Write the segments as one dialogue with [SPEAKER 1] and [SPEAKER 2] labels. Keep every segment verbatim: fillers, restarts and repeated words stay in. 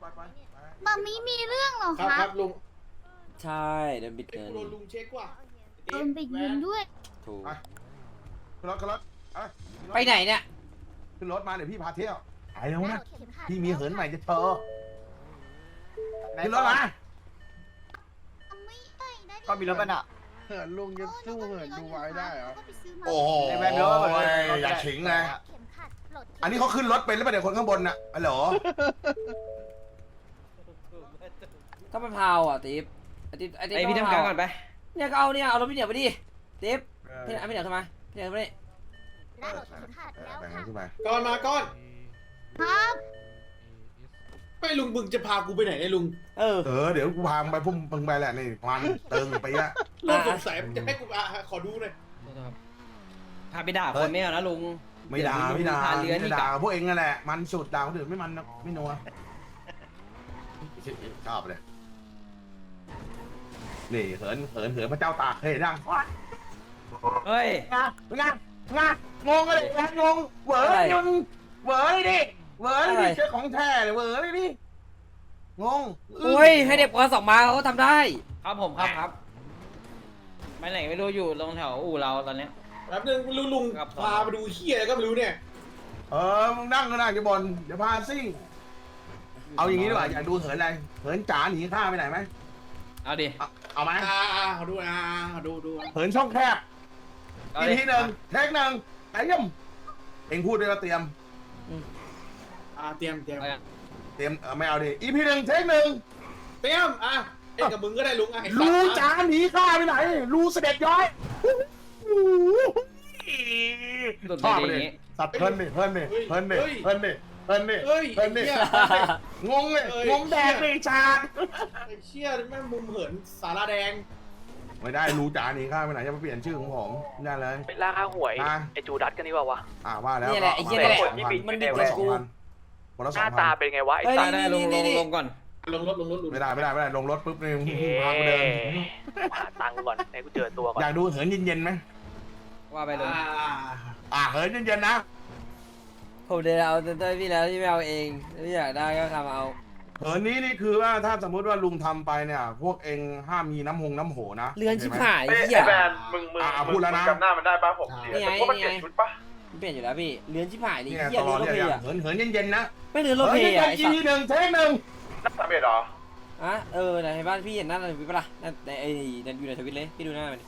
[SPEAKER 1] ไปไป
[SPEAKER 2] มามีมีเรื่องเหรอ
[SPEAKER 3] ครับ
[SPEAKER 2] ค
[SPEAKER 3] ค
[SPEAKER 2] รั
[SPEAKER 3] รั
[SPEAKER 2] บบ
[SPEAKER 3] ลุง
[SPEAKER 4] ใช่โดนบิด
[SPEAKER 3] ไอ้
[SPEAKER 4] เงิน
[SPEAKER 3] กูโดนลุงเช็คว่ะ
[SPEAKER 2] โดนไปยิงด้วย
[SPEAKER 4] ถูก
[SPEAKER 1] ไปขึ้นรถขึ้นรถเอ้ยขึ้รถ
[SPEAKER 4] ไปไหนเนี่ย
[SPEAKER 1] ขึ้นรถมาเดี๋ยวพี่พาเที่ยวไปแล้วนะพี่มีเหินใหม่จะเธอขึ้นรถมา
[SPEAKER 2] ไม่ได้ได้
[SPEAKER 5] ก็มีรถมันอ่ะ
[SPEAKER 6] เหินลุงจะสู้เหินดูไว้ได้เหรอ
[SPEAKER 2] ก็ไปซื้อมา
[SPEAKER 1] โอ้โห
[SPEAKER 5] ในแวนรถมันเลย
[SPEAKER 1] อย่าขิงเลย
[SPEAKER 2] เข็มขัดปลด
[SPEAKER 1] อันนี้เขาขึ้นรถเป็นหรือเปล่าเดี๋ยวคนข้างบนน่ะอ๋อเหรอ
[SPEAKER 4] ก็ไปพาวอ่ะติ๊บไอ้ติ๊บไอ้ติ๊บ
[SPEAKER 5] ไอพี่ทำการก่อนไป
[SPEAKER 4] เนี่ยก็เอาเนี่ยเอารถพี่เหนียวไปดิติ๊บพี่เหนียวพี่เหนียวทำไมพี่เหนียวไปดิ
[SPEAKER 2] ได้ปลดเข็มขัดแล้ว
[SPEAKER 1] แบ่ง
[SPEAKER 2] ค่ะ
[SPEAKER 1] ขึ้นไป
[SPEAKER 3] ก้อนมาก้อน
[SPEAKER 2] ครับ
[SPEAKER 3] ไม่ลุงมึงจะพากูไปไหนเนี่ยลุง
[SPEAKER 4] เออ
[SPEAKER 1] เออเดี๋ยวกูพามึงไปพุ่มมึงไปแหละนี่พันเติงไปอะ
[SPEAKER 3] เริ่มสงสัยจะให้กูอ่ะขอดูหน่อย
[SPEAKER 5] พาไปด่าคนไม่เอานะลุง
[SPEAKER 1] ไม่ด่าไม่ด่า
[SPEAKER 5] พาเลื้อน
[SPEAKER 1] ไม่
[SPEAKER 5] นี่
[SPEAKER 1] ด่า
[SPEAKER 5] กับ
[SPEAKER 1] พวกเองนั่นแหละมันสุดด่าคนอื่นไม่มันนะไม่นัวชอบเลยนี่เหินเหินเหินพระเจ้าตากเคยเห็นยัง
[SPEAKER 5] เฮ้ย
[SPEAKER 1] งานงานงานงงเลยงานงงเหวอร์ยนเหวอร์เลยดิเหวอร์เลยดิเจอของแท้เลยเหวอร์เลยดิงง
[SPEAKER 4] โอ้ยให้เด็กปสองมาเขาก็ทำได้
[SPEAKER 5] ครับผมครับครับไปไหนไม่รู้อยู่ตรงแถวอู่เราตอนเนี้ย
[SPEAKER 3] แป๊บนึงลุงลุง
[SPEAKER 5] ครับ
[SPEAKER 3] พาไปดูเฮียอะไรก็ไม่รู้เนี่ย
[SPEAKER 1] เออมึงนั่งก็นั่งอยู่บนเดี๋ยวพาซิ่งเอาอย่างนี้ดีกว่าอยากดูเหินอะไรเหินจ๋าหนีข้าไปไหนไหม
[SPEAKER 5] เอาดิ
[SPEAKER 1] เอาเอาไหม
[SPEAKER 3] อ่าอ่าขอดูอ่าขอดูดู
[SPEAKER 1] เหินช่องแคบ
[SPEAKER 5] เอา
[SPEAKER 1] อี
[SPEAKER 5] ดิ
[SPEAKER 1] กทีหนึ่งเทคหนึ่งไอ้ย่ำเอ็งพูดด้วยว่าเตรียม
[SPEAKER 3] อ่าเตรียมเตรียม
[SPEAKER 5] เอาดิ
[SPEAKER 1] เตรียมเออไม่เอาดิอีพีหนึ่งเทคหนึ่ง
[SPEAKER 3] เตรียมอ่ะเอ็งกับมึงก็ได้ลุงอ่ะไอ้สัตว์
[SPEAKER 1] รู
[SPEAKER 3] อ่ะ
[SPEAKER 1] จ๋าหนีข้าไปไหนรูเสด็จย้อย
[SPEAKER 5] หลุด
[SPEAKER 1] ช
[SPEAKER 5] ไป
[SPEAKER 1] อบ
[SPEAKER 5] อ
[SPEAKER 1] เล
[SPEAKER 5] ย่าย งงี้
[SPEAKER 1] สัตว์เพลินดิเพลินดิเพลินดิเพลินดิเพลินดิ
[SPEAKER 3] เฮ้ย
[SPEAKER 1] เพลินดิ
[SPEAKER 3] เฮีย
[SPEAKER 1] งงเลย
[SPEAKER 3] เอ้ย
[SPEAKER 1] งงแดงเลยชาด
[SPEAKER 3] ไอ้เชี่ยแม่งมุมเหินสาราแดง
[SPEAKER 1] ไม่ได้รูจ๋าหนีข้าไปไหนจะมาเปลี่ยนชื่อของผมไม่ได้เลย
[SPEAKER 7] ไปล่าค่าหวย
[SPEAKER 1] อ่ะ
[SPEAKER 7] ไอจูดัตกันดีกว่าวะ
[SPEAKER 1] อ่าว่าแล้ว
[SPEAKER 4] นี่แหละไอ้เหี้ยนี่แหละ
[SPEAKER 1] คนที่บิด
[SPEAKER 4] มันบิด
[SPEAKER 1] คน
[SPEAKER 4] กั
[SPEAKER 1] ละ
[SPEAKER 4] บ
[SPEAKER 1] สอง
[SPEAKER 4] กู
[SPEAKER 1] พันคนละ
[SPEAKER 7] ห
[SPEAKER 1] สอง
[SPEAKER 7] น้า
[SPEAKER 1] พั
[SPEAKER 7] ตาน เป็นไงวะไอ้
[SPEAKER 4] เฮ้ย
[SPEAKER 7] สัตว์
[SPEAKER 5] ได้ลงลงลงก่อน
[SPEAKER 3] ลงรถลงรถลงรถ
[SPEAKER 1] ไม่ได้ไม่ได้ไม่ได้ลงรถปุ๊บนี่
[SPEAKER 7] เอ๊
[SPEAKER 1] พาไปเดิน
[SPEAKER 7] ะหาตังค์ก่อนให้กูเจอตัวก่อน
[SPEAKER 1] อยากดูเหินเย็นๆไหม
[SPEAKER 5] ว่าไปลุง
[SPEAKER 3] อ่า
[SPEAKER 1] อ่าเหินเย็นๆนะ
[SPEAKER 4] ผมเดินเอาเต้ยพี่แล้วที่ไม่เอาเองพี่อยากได้ก็ทำเอา
[SPEAKER 1] เหินนี้นี่คือว่าถ้าสมมติว่าลุงทำไปเนี่ย พวกเองห้ามมีน้ำหงน้ำโหนะ
[SPEAKER 4] เรือนชิบ
[SPEAKER 1] ข้ใจไหม
[SPEAKER 4] หาย
[SPEAKER 6] ไอ้
[SPEAKER 4] เหี้ย
[SPEAKER 6] แบนมึงมึง
[SPEAKER 1] อ่ะ
[SPEAKER 6] มึ
[SPEAKER 1] พู
[SPEAKER 6] ง
[SPEAKER 1] ดแล้วนะ
[SPEAKER 6] จำหน้ามันได้ป่ะผม
[SPEAKER 4] นี่ไง
[SPEAKER 6] แต่พวกมัน
[SPEAKER 4] นี่
[SPEAKER 6] เปลี่ย
[SPEAKER 4] ไง
[SPEAKER 6] นชุดป่ะ
[SPEAKER 4] มันเปลี่ยนอยู่แล้วพี่เรือนชิบหายนี่
[SPEAKER 1] เนี่ย
[SPEAKER 4] เหี้ย
[SPEAKER 1] ตล
[SPEAKER 4] เรือ
[SPEAKER 1] อน
[SPEAKER 4] รถ
[SPEAKER 1] เนี่ย
[SPEAKER 4] เพย์อะ
[SPEAKER 1] เหินเหินเย็นๆนะ
[SPEAKER 4] ไม่เรือนรถ
[SPEAKER 1] เหิ
[SPEAKER 4] เพ
[SPEAKER 1] น
[SPEAKER 4] ย์
[SPEAKER 1] เย็
[SPEAKER 4] อะ
[SPEAKER 1] น
[SPEAKER 4] ไอ้
[SPEAKER 1] ๆ
[SPEAKER 4] สั
[SPEAKER 1] ที
[SPEAKER 4] ตว์
[SPEAKER 1] หนึ่งเทคหนึ่ง
[SPEAKER 6] นักสามเอ็ดเหรอ
[SPEAKER 4] อ่ะเออไหนบ้านพี่เห็นหน้าในทวิตปะล่ะในไอ้ในอยู่ในทวิตเลยพี่ดูหน้ามันดิ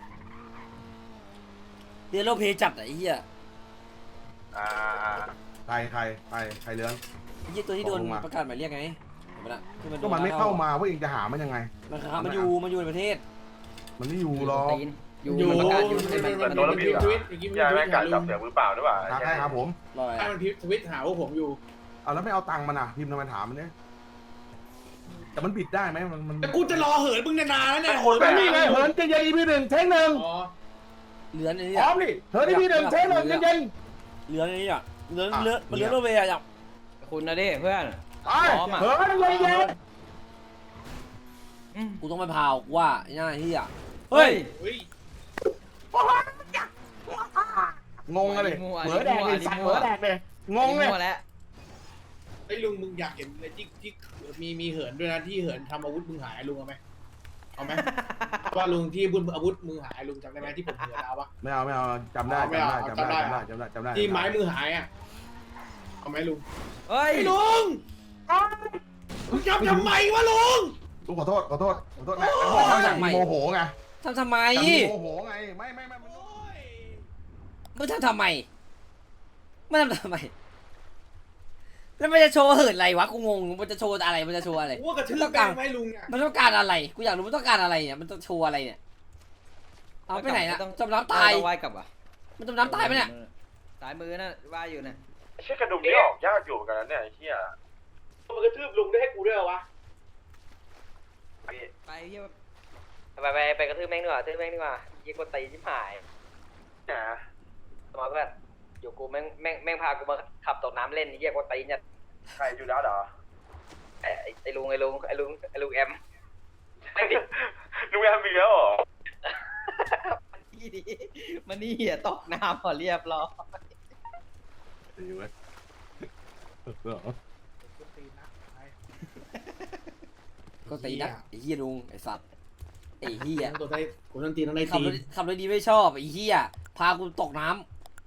[SPEAKER 4] เรือนรถเพย์จัดอะไอ้เหี้ย
[SPEAKER 6] อ่า
[SPEAKER 1] ใครใครใครใครเรือน
[SPEAKER 4] ไอ้เหี้ยตัวที่โดน
[SPEAKER 1] บอกลงมา
[SPEAKER 4] ประกาศหมายเรียกไงเห็นปะล่ะที่
[SPEAKER 1] ก็มันไม่เข้ามาว่าเองจะหามันยังไง
[SPEAKER 4] มันครับมันอยู่มันอยู่ในประเทศ
[SPEAKER 1] มันไม่อยู่หรอก
[SPEAKER 5] ตีนอยู่
[SPEAKER 3] อยู่
[SPEAKER 5] ประกาศอยู่
[SPEAKER 3] มัน
[SPEAKER 5] ในมัน
[SPEAKER 3] มัน
[SPEAKER 5] มัน
[SPEAKER 3] มัน
[SPEAKER 5] มัน
[SPEAKER 3] พิมพ์ทวิตเมื่อกี้มัน
[SPEAKER 6] อย่า
[SPEAKER 3] พิ
[SPEAKER 6] แม่
[SPEAKER 3] ม
[SPEAKER 6] ง
[SPEAKER 3] พ์
[SPEAKER 6] กัด
[SPEAKER 3] หา
[SPEAKER 6] จั
[SPEAKER 3] ลุ
[SPEAKER 6] บ
[SPEAKER 3] ง
[SPEAKER 6] เสือมือเปล่าด้วยว่ะ
[SPEAKER 1] หาใครครับผม
[SPEAKER 4] รอย
[SPEAKER 3] ถ้ามันทวิตหาว่าผมอยู่
[SPEAKER 1] เอาแล้วไม่เอาตังค์มันอ่ะพิมพ์ทำไมถามมันเนี่ยแต่มันบิดได้ไหมมันมัน
[SPEAKER 3] แต่กูจะรอเหินมึงนานๆแล้วเนี่ย
[SPEAKER 1] มันนี่ไงเหินเย็นๆอีพีหนึ่งเทคหนึ่ง
[SPEAKER 3] อ๋อ
[SPEAKER 4] เรือนไอ้
[SPEAKER 1] พ
[SPEAKER 4] เนี่
[SPEAKER 1] ร้
[SPEAKER 4] ย
[SPEAKER 1] อมดิเหินอีพีหนึ่งเทคหนึ่งเย็น
[SPEAKER 4] เรือนไอ้เนี่ยเรือน
[SPEAKER 1] อ่ะ
[SPEAKER 4] เรือนมัน
[SPEAKER 1] เนี่
[SPEAKER 4] เรื
[SPEAKER 1] ย
[SPEAKER 4] อนรถเพย์อะอยาก
[SPEAKER 5] คุณนะดิเพื่อน
[SPEAKER 1] ๆไป
[SPEAKER 5] พร้อมอะ
[SPEAKER 1] เหินเย็น
[SPEAKER 5] อืม
[SPEAKER 4] กูต้องไปพาวกูว่าไอ้หน้าเหี้ย
[SPEAKER 5] เฮ้ย
[SPEAKER 3] เฮ้ย
[SPEAKER 1] ๆงงเลยเหมือแดกเลยสั่งเหมือแดกเลยงงเลย
[SPEAKER 5] มั่วแล้ว
[SPEAKER 3] ไอ้ลุงมึงอยากเห็นอะไรที่ที่มีมีเหินด้วยนะที่เหินทำอาวุธมึงหายลุงเอาไหมเอาไหมว่าลุงที่บุญอาวุธมึงหายลุงจำได้ไหมที่ผมเหินเอาปะ
[SPEAKER 1] ไม่เอาไม่เอาจำได้
[SPEAKER 3] ไม่
[SPEAKER 1] จำ
[SPEAKER 3] เอา
[SPEAKER 1] ได้จำได้
[SPEAKER 3] จำได้
[SPEAKER 1] จำได้จำได้จำได้
[SPEAKER 3] ที่ไม้มือหายอ่ะเอาไหมลุง
[SPEAKER 5] เฮ้ย
[SPEAKER 3] ไอ้ลุงมึงจับทำไมวะลุง
[SPEAKER 1] ลุงขอโทษขอโทษขอโทษนะเขาอยากโมโหไง
[SPEAKER 4] ทำทำไม
[SPEAKER 1] โมโหไงไม่ไม่ไม่มัน
[SPEAKER 3] โอ้ย
[SPEAKER 4] มึงทำทำไมไม่ทำทำไมแล้วมันจะโชว์เหินอะไรวะกูงงมันจะโชว์อะไรมันจะโชว์อะไร
[SPEAKER 3] กูว่ากระทืบแบงให้ลุงเนี่ย
[SPEAKER 4] มันต้องการอะไรกูอยากรู้มันต้องการอะไรเนี่ยมันต้องโชว์อะไรเนี่ยเอาไปไหนนะจมน้ำตาย
[SPEAKER 5] ต้องว่ายกลับอ่ะ
[SPEAKER 4] มันจมน้ำตายไหมเนี่ย
[SPEAKER 5] สายมือน่ะว่ายอยู่น่ะ
[SPEAKER 6] ไอ้เชี่ยกระดุมนี่ออกยากอยู่เหมือนกันนะเนี่ยไอ้เชี่ย
[SPEAKER 3] มันกระทืบลุงได้ให้กูด้วยเหรอวะ
[SPEAKER 5] ไปเยี่ยม
[SPEAKER 7] ไปไปไปกระทืบแม่งดีกว่ากระทืบแม่งดีกว่ายิงกดตีชิบหาย
[SPEAKER 6] นะ
[SPEAKER 7] สมาเพื่อนอยู่กูแม่งแม่งแม่งพากูมาขับตกน้ำเล่นเยี่ยกดตีเนี่ย
[SPEAKER 6] ใครจูดัสเหรอ
[SPEAKER 7] ไอ้ไอ้ลุงไอ้ลุงไอ้ลุงไอ้ลุงแอม
[SPEAKER 6] ลุงแอมมีแล้วเหรอ
[SPEAKER 5] มันนี่ดิมันนี่เหี้ยตกน้ำพอเรียบร้อย
[SPEAKER 1] ดีเว้ย
[SPEAKER 3] กูตีนะไป
[SPEAKER 4] ก็ตีนักไอ้เหี้ยลุงไอ้สัตว์ไอ้เหี้ย
[SPEAKER 3] ตัวได้กูต้องตีต้องได้
[SPEAKER 4] ขับ
[SPEAKER 3] ตี
[SPEAKER 4] รถขับรถดีไม่ชอบไอ้เหี้ยพากูตกน้ำ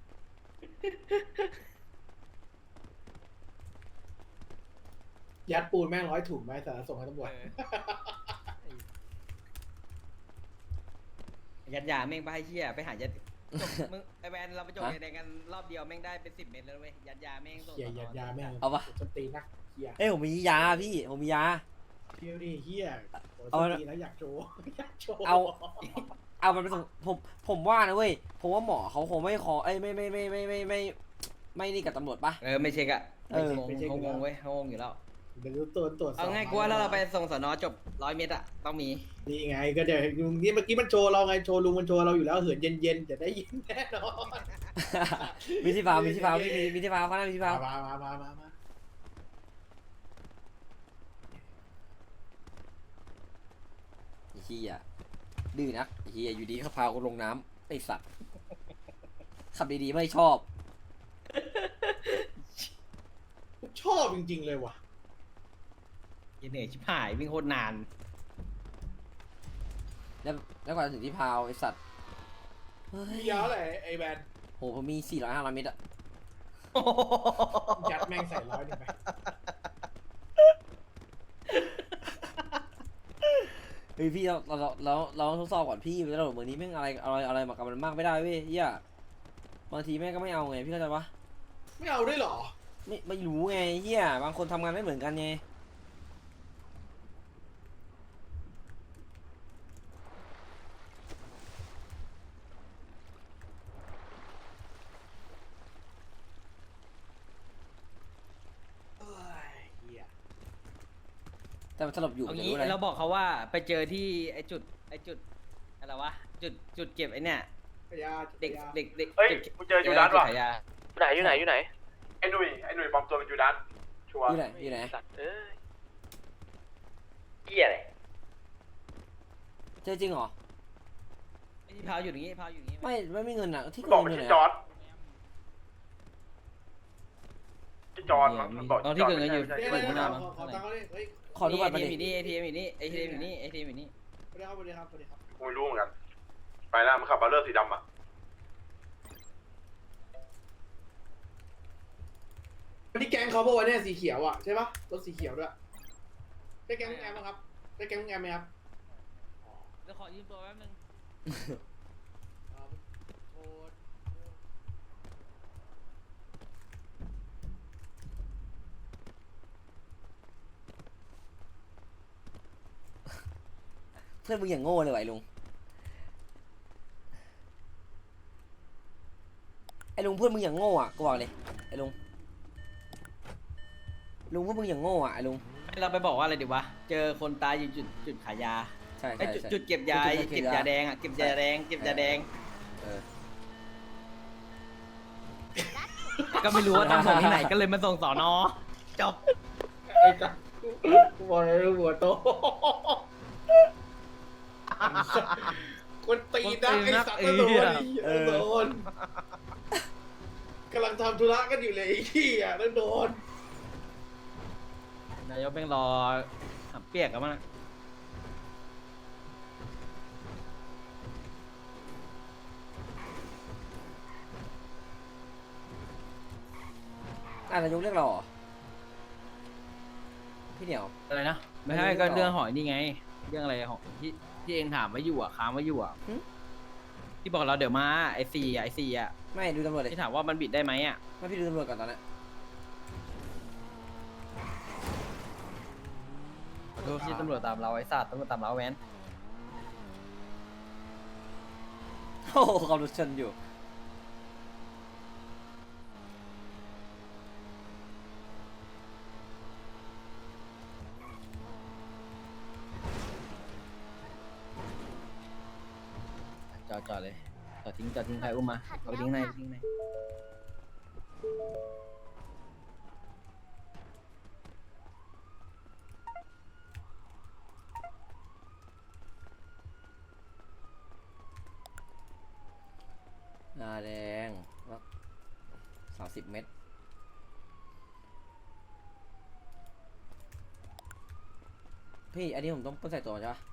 [SPEAKER 3] ยัดปูนแม่งร้อยถุงไปแต่ส่งให้ตำรวจ
[SPEAKER 5] ยัดยาแม่งไปเชี่ยไปหายัดจบมึงไอแวนเราไปจบในกันรอบเดียวแม่งได้เป็นสิบเม็ดแล้วเว้ยยัดยาแม่งส่ง
[SPEAKER 3] เฮียยัดยาแม่ง
[SPEAKER 4] เอาปะ
[SPEAKER 3] จะตีนักเฮีย
[SPEAKER 4] เอ้ยผมมียาพี่ผมมียา
[SPEAKER 3] เพี้ยวดิเฮียโอ้ย
[SPEAKER 4] เอา
[SPEAKER 3] จะตีแล้วอยากโชว์อยากโชว์
[SPEAKER 4] เอา เอามันไปส่งผมผมว่านะเว้ยผมว่าหมอเขาคงไม่ขอเอ้ยไม่ไม่ไม่ไม่ไม่ไม่ไม่นี่กับตำรวจปะ
[SPEAKER 5] เออไม่เช็คอะ
[SPEAKER 4] เออ
[SPEAKER 5] งงเขางงเว้ยเขางงอยู่แล้ว
[SPEAKER 3] เดี๋ยวตรวจตรวจสบ
[SPEAKER 5] เอาง่ายกว่าแล้วเราไปส่งสนจบร้อยเมตรอะต้องมี
[SPEAKER 3] นี่ไงก็เดี๋ยวนี่เมื่อกี้มันโชว์เราไงโชว์ลุงมันโชว์เราอยู่แล้วเหินเย็นๆจะได้ยินแน่นอน
[SPEAKER 4] มีที่พาวมีที่พาวมีมีมีที่พาวข้างหน้ามีที่พาว
[SPEAKER 3] มามามามามา
[SPEAKER 4] ไอ้เหี้ยดื้อนักไอ้เหี้ยอยู่ดีเขาพากูลงน้ำไอ้สัตว์ขับดีๆไม่ชอบ
[SPEAKER 3] ชอบจริงๆเลยว่ะ
[SPEAKER 5] เหนื่อยชิบหายวิ่งโคตรนาน
[SPEAKER 4] แล้วแล้วกว่าจะถึงที่พาวไอ้สัตว์เฮ้ย
[SPEAKER 3] มียาวเลยไอ้แบน
[SPEAKER 4] โหผมมีสี่ร้อยห้าร้อยเมตรอะ
[SPEAKER 3] ยัดแม่งใส่ร้อยหนึ่งไป
[SPEAKER 4] เฮ้ยพี่เราเราเราเราต้องทดสอบก่อนพี่แล้วเหมือนนี้แม่งอะไรอะไรอะไรมากับมันมากไม่ได้เว้ยเฮียบางทีแม่งก็ไม่เอาไงพี่เข้าใจปะ
[SPEAKER 3] ไม่เอาด้วยเหรอ
[SPEAKER 4] ไม่ไม่รู้ไงเฮียบางคนทำงานไม่เหมือนกันไง
[SPEAKER 3] เอ้ยเหี้ย
[SPEAKER 4] แต่มันสลบอยู่
[SPEAKER 5] เอา
[SPEAKER 4] จะ
[SPEAKER 5] งี้
[SPEAKER 4] รู้อะไร
[SPEAKER 5] เราบอกเขาว่าไปเจอที่ไอจุดไอจุดอะไรวะจุดจุดเก็บไอเนี่ย
[SPEAKER 3] พยา
[SPEAKER 5] เด็ก
[SPEAKER 3] พยา
[SPEAKER 5] เด็กเด็ก
[SPEAKER 6] เฮ้ย
[SPEAKER 5] จุด
[SPEAKER 6] กูเจอยูดัสว่ะ
[SPEAKER 5] จุดขายยา
[SPEAKER 7] ไหนอยู่ไหนอยู่ไหน
[SPEAKER 6] ไอ้หนุ่ยไอ้หนุ่ยปลอมตัวเป็นยูดัสชัวร์
[SPEAKER 4] อยู่ไหนอยู่ไหน
[SPEAKER 7] สัตว์เอ้ยเหี้ยอะไร
[SPEAKER 4] เจอจริงเหรอ
[SPEAKER 5] ไอที่พาวอยู่อย่างงี้พาวอยู่อย่างงี้
[SPEAKER 4] ไม่ไม่มีเงินอะที่
[SPEAKER 6] บ
[SPEAKER 4] เกิ
[SPEAKER 6] อก
[SPEAKER 4] น
[SPEAKER 6] ไป
[SPEAKER 4] อยู่ไหน
[SPEAKER 6] ที่จอ
[SPEAKER 4] อะ
[SPEAKER 6] ร์ดที่จอร์ดมั้งมันบอก
[SPEAKER 5] ตอนที่เกิดเงินอยู่
[SPEAKER 6] ใช่
[SPEAKER 3] เดี๋ยว
[SPEAKER 6] ใช่
[SPEAKER 3] เดี๋ยว
[SPEAKER 6] ใช่
[SPEAKER 3] เดี๋ยวขอขอตังค์เขาดิเฮ้ย
[SPEAKER 4] ขอดูบัตรมา
[SPEAKER 5] เอ
[SPEAKER 4] ดิ
[SPEAKER 5] ทีเอ็มอยู่นี่เอทีเอ็มอยู่นี่เอทีเอ็มอยู่นี่เอทีเอ็มอยู่นี่
[SPEAKER 3] สวัสดีครับสวัสดีครับสวัสดีครับ
[SPEAKER 6] กูไม่รู้เหมือนกัน ไปแล้วมันขับบัลเลอร์สีดำอ่ะ
[SPEAKER 3] วันนี้แก๊งเขาบอกว่าเนี่ยสีเขียวอ่ะใช่ปะรถสีเขียวด้วยใช่แก๊งมึงแอมไหมครับใช่แก๊งมึงแอมไหมครับ
[SPEAKER 5] เดี๋ยวขอยืมตัวแป๊บนึง
[SPEAKER 3] ครับโอ้ย
[SPEAKER 4] เพื่อนมึงอย่างโง่เลยว่ะไอ้ลุงไอ้ลุงเพื่อนมึงอย่างโง่อะกูบอกเลยไอ้ลุงลุงเพื่อนมึงอย่างโง่อะไอ้ลุง
[SPEAKER 5] เราไปบอกว่าอะไรดีวะเจอคนตายอยู่จุดจุดขายยา
[SPEAKER 4] ใช่
[SPEAKER 5] ไอ
[SPEAKER 4] ใช่
[SPEAKER 5] จุด
[SPEAKER 4] ใช่
[SPEAKER 5] จุดเก็บยา
[SPEAKER 4] จุดเก็
[SPEAKER 5] เก็
[SPEAKER 4] บบ ยา
[SPEAKER 5] ยาแดงอ่ะเก็บยาแดงเก็บยาแดง
[SPEAKER 4] เออ
[SPEAKER 5] ก็ไม่รู้ว่าต้องส่งที่ไหนก็เลยมาส่งสอนอจบ
[SPEAKER 3] ไอ้สัสกูบอกเลยหัวโตคนตีนักไอ้สัตว์ก็โดนไอ้เหี้ยโดนกำลังทำธุระกันอยู่เลยไอ้ที่อ่ะแล้วโดน
[SPEAKER 5] นายกแม่งรอหำเปียกกันมั้ง
[SPEAKER 4] อ่ะนายกเรียกเราเหรอพี่เหนียว
[SPEAKER 5] อะไรนะไม่ใช่
[SPEAKER 4] ไม่รู้
[SPEAKER 5] ก็
[SPEAKER 4] ต่อ
[SPEAKER 5] เรื่องหอยนี่ไง เรื่องอะไรของที่ที่เองถามไว้อยู่อ่ะค้างไว้อยู่อ่ะ
[SPEAKER 4] หึ
[SPEAKER 5] ที่บอกเราเดี๋ยวมาไอซีไอซีอ่ะ
[SPEAKER 4] ไม่ดูตำรวจเลย
[SPEAKER 5] ที่ถามว่ามันบิดได้ไหมอ่ะ
[SPEAKER 4] ไม่พี่ดูตำรวจก่อนตอนนี้
[SPEAKER 5] ขอโทษที่ตำรวจตามเราไอ้สัตว์ตำรวจตามเราแว้น
[SPEAKER 4] โอ้โหขับรถชนอยู่
[SPEAKER 5] จอดจอดเลยจอดทิ้งจอดทิ้งใครอุ้มมาเอาไปทิ้งในทิ้งใน
[SPEAKER 4] หน้าแดงสามสิบเมตรพี่อันนี้ผมต้องใส่ตัวใช่ปะ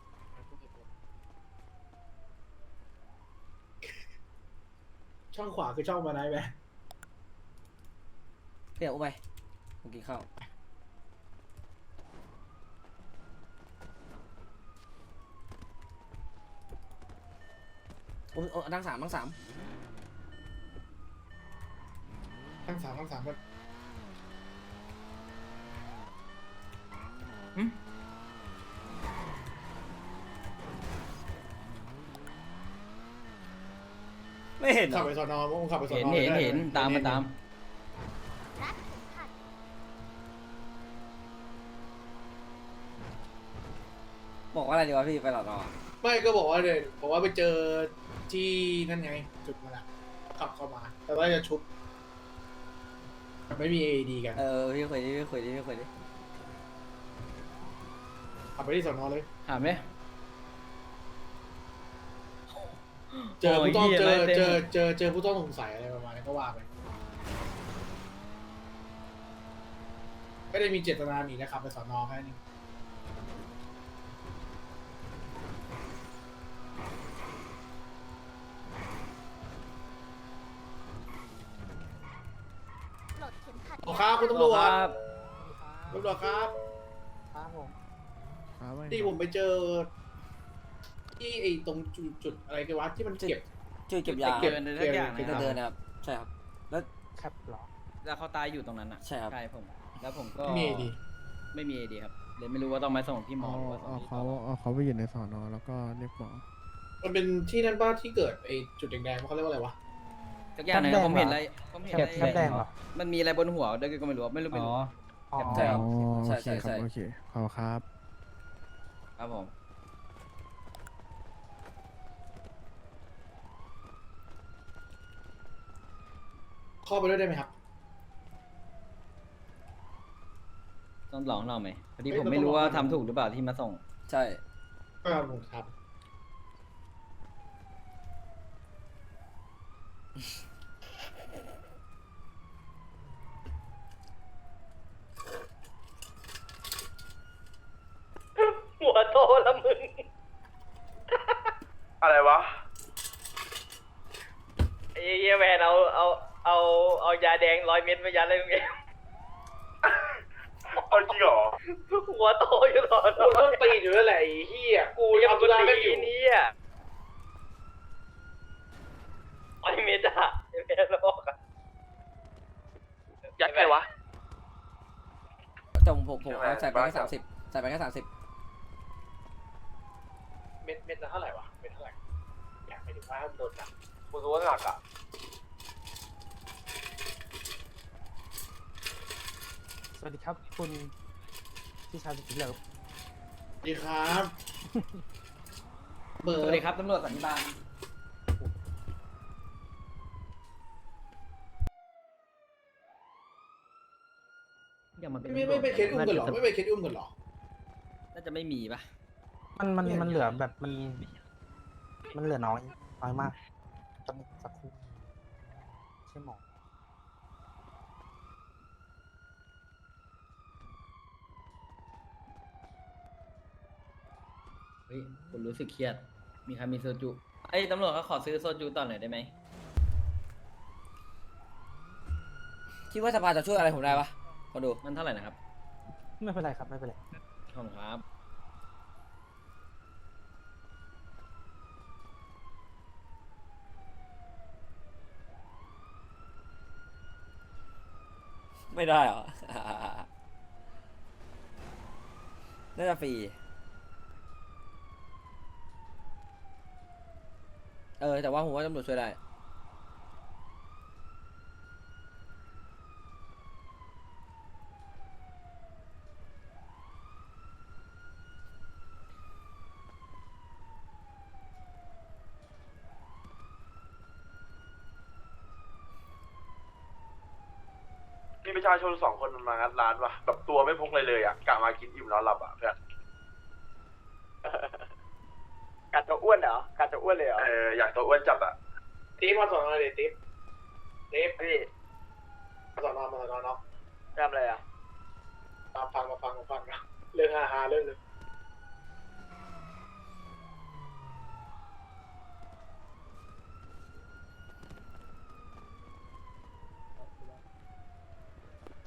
[SPEAKER 3] ช่องขวาคือช่องมาไหนไหม
[SPEAKER 4] พี่เอาอุ้มไปผมกินข้าวโอ้ยโอ้ยนั่งสามนั่งสาม
[SPEAKER 3] ทั้งสามทั้งสามก็
[SPEAKER 4] ไม่เห็นเหร
[SPEAKER 3] ขับ
[SPEAKER 4] อ
[SPEAKER 3] ไปสอนอมึงขับไปสอน
[SPEAKER 5] เห็น
[SPEAKER 3] อ
[SPEAKER 5] เห็น
[SPEAKER 3] ได้
[SPEAKER 5] เห็นตามมาตาม
[SPEAKER 2] รัดเข็มขัด
[SPEAKER 4] บอกว่าอะไรดีวะพี่ไปหลอดรอ
[SPEAKER 3] ไม่ก็บอกว่าเดี๋ยวบอกว่าไปเจอที่นั่นไงจุดมาละขับเข้ามา แต่ว่าจะชุบไม่มี เอ ดี กัน
[SPEAKER 4] เออพี่คุยดิพี่คุยดิพี่คุยดิ
[SPEAKER 3] ขับไปที่สอนอเลย
[SPEAKER 5] ถามเลย
[SPEAKER 3] เจอผู้ต้อง
[SPEAKER 5] โอ้ย
[SPEAKER 3] เจ
[SPEAKER 5] เหี้
[SPEAKER 3] อย
[SPEAKER 5] อะไรเต็ม
[SPEAKER 3] เจอเจอเจอผู้ต้องสงสัยอะไรประมาณนี้ก็ว่าไปไม่ได้มีเจตนาหนีนะครับไปสอนอแค่นี้
[SPEAKER 2] ปลดเข็มขัด
[SPEAKER 3] ขอครับคุณตำรวจ
[SPEAKER 5] ครับ
[SPEAKER 3] ตำรวจครับ
[SPEAKER 1] ครับผม
[SPEAKER 3] ที่ผมไปเจอ ที่ไอ้ตรงจุดจุดอะไรกันวะที่มันเก็บ
[SPEAKER 4] จุดเก็บยา
[SPEAKER 3] เก็บ
[SPEAKER 5] เดินทุกอย่าง
[SPEAKER 3] เก็บ
[SPEAKER 5] นะค
[SPEAKER 4] เดิ
[SPEAKER 5] รับ
[SPEAKER 4] นนะครับใช่ครับแล้ว
[SPEAKER 1] แคปหรอ
[SPEAKER 5] แล้วเขาตายอยู่ตรงนั้นอ่ะ
[SPEAKER 4] ใช่ครับ
[SPEAKER 5] ใช่ผม แล้วผมก็
[SPEAKER 3] ไม่มีดี
[SPEAKER 5] ไม่มีเอดีครับเลยไม่รู้ว่าต้องไปส่งที่หมอ
[SPEAKER 8] เอา
[SPEAKER 5] หรือว่าส่
[SPEAKER 8] เอา
[SPEAKER 5] งที่
[SPEAKER 8] เขา
[SPEAKER 5] ต่อ
[SPEAKER 8] เอาเขาไปอยู่ในสอนอแล้วก็เรียกหมอ
[SPEAKER 3] มันเป็นที่นั่นป้าที่เกิดไอ้จุดแดงๆเขาเรียกว่าอะไรวะ
[SPEAKER 5] สักอย่างหนึงครับผมเห็นอะไรผมเห็นอะไร
[SPEAKER 1] แคปแดงเหรอ
[SPEAKER 5] มันมีอะไรบนหัวด้วยก็ไม่รู้ไม่รู้ไม่รู้
[SPEAKER 1] อ๋อ
[SPEAKER 4] ใช่ครับ
[SPEAKER 8] อ๋อ
[SPEAKER 4] ใช่
[SPEAKER 8] โอเค
[SPEAKER 4] ใช่
[SPEAKER 8] ครับ
[SPEAKER 4] ใช่
[SPEAKER 8] โอเคขอบคุณครับ
[SPEAKER 5] ครับผม
[SPEAKER 3] เข้าไปด้วยได้ไหมครับ
[SPEAKER 5] ต้องลองเราไหมพอดี
[SPEAKER 3] เฮ้ย
[SPEAKER 5] ผมไม่รู้ว่า
[SPEAKER 3] ต้องลอง
[SPEAKER 5] ทำถูกหรือเปล่าที่มาส่ง
[SPEAKER 4] ใช่
[SPEAKER 3] ก็ผมครับ
[SPEAKER 7] หัวโตละมึง
[SPEAKER 6] อะไรวะ
[SPEAKER 7] ไอ้เหี้ยแมนเอาเอาเอาเอายาแดงร้อยเม็ดมายัดเลยมึงเอง
[SPEAKER 6] เอาจริงเหรอ
[SPEAKER 7] หัวโตอยู่ตลอด
[SPEAKER 3] กูต้องตีอยู่แล้วแหละไอ้เหี้ยกู
[SPEAKER 7] กูยัง
[SPEAKER 3] ทำ
[SPEAKER 7] กู
[SPEAKER 3] ธุระไม่
[SPEAKER 7] ตี
[SPEAKER 3] อยู่
[SPEAKER 7] นี้อ่ะร้อยเม็ดอะไอ้แมนบอกอะ
[SPEAKER 6] ยัดใครวะ
[SPEAKER 4] แต่ผมผมผม
[SPEAKER 6] ใช่ไหม
[SPEAKER 4] เอาใส่ไปแค่
[SPEAKER 6] บ้า
[SPEAKER 4] สามสิบใส่ไปแค่สามสิบ
[SPEAKER 3] เม็ดเม็ดละเท่าไหร่วะเม็ดเท่าไหร่อยากไปดูว่าโดนหนัก
[SPEAKER 6] กูรู้ว่าหนักอ่ะ
[SPEAKER 1] สวัสดีครับคุณพี่ชายสุดที่เลิฟ
[SPEAKER 3] ดีครับเบอ
[SPEAKER 5] ส
[SPEAKER 3] ร์
[SPEAKER 5] วัสดีครับตำรวจสันติบาลอย่ามาเป็น
[SPEAKER 3] ไม่ไม่ไม่เคสอุ้มกันเหรอไม่ไปเคสอุ้มกันเหรอ
[SPEAKER 5] น่าจะไม่มีปะ
[SPEAKER 1] มันมันมันเหลือแบบมัน มันเหลือน้อยน้อยมากจำสักครู่ใช่หมอ
[SPEAKER 5] เฮ้ยคุณรู้สึกเครียด มีใครมีโซจูไอ้ยตำรวจเขาขอซื้อโซจูต่อหน่อยได้ไหม
[SPEAKER 4] คิดว่าสภาจะช่วยอะไรผมได้ปะมาดู
[SPEAKER 5] มันเท่าไหร่นะครับ
[SPEAKER 1] ไม่เป็นไรครับไม่เป็นไร
[SPEAKER 5] ขอบคุณครับ
[SPEAKER 4] ไม่ได้เหรอ น่าจะฟรีเออแต่ว่าผมว่าตำรวจช่วยได้
[SPEAKER 6] มีประชาชนสองคนมางัดร้านวะแบบตัวไม่พกเลยเลยอ่ะกะมากินอิ่มนอนหลับอ่ะเพื่อน
[SPEAKER 7] กัดจะอ้วนเหรอกัดจะอ้วนเลยเหรอ
[SPEAKER 6] เอออยากตัวอ้วนจัดอ่ะ
[SPEAKER 3] ติ๊บมาสอนอเลยติ๊บติ๊บ
[SPEAKER 7] พี่
[SPEAKER 3] มาสอนอมาสอนอเนาะ
[SPEAKER 7] ทำอะไรอ่ะ
[SPEAKER 3] มาฟังมาฟังมาฟังนะเรื่องฮาฮาเรื่องหนึง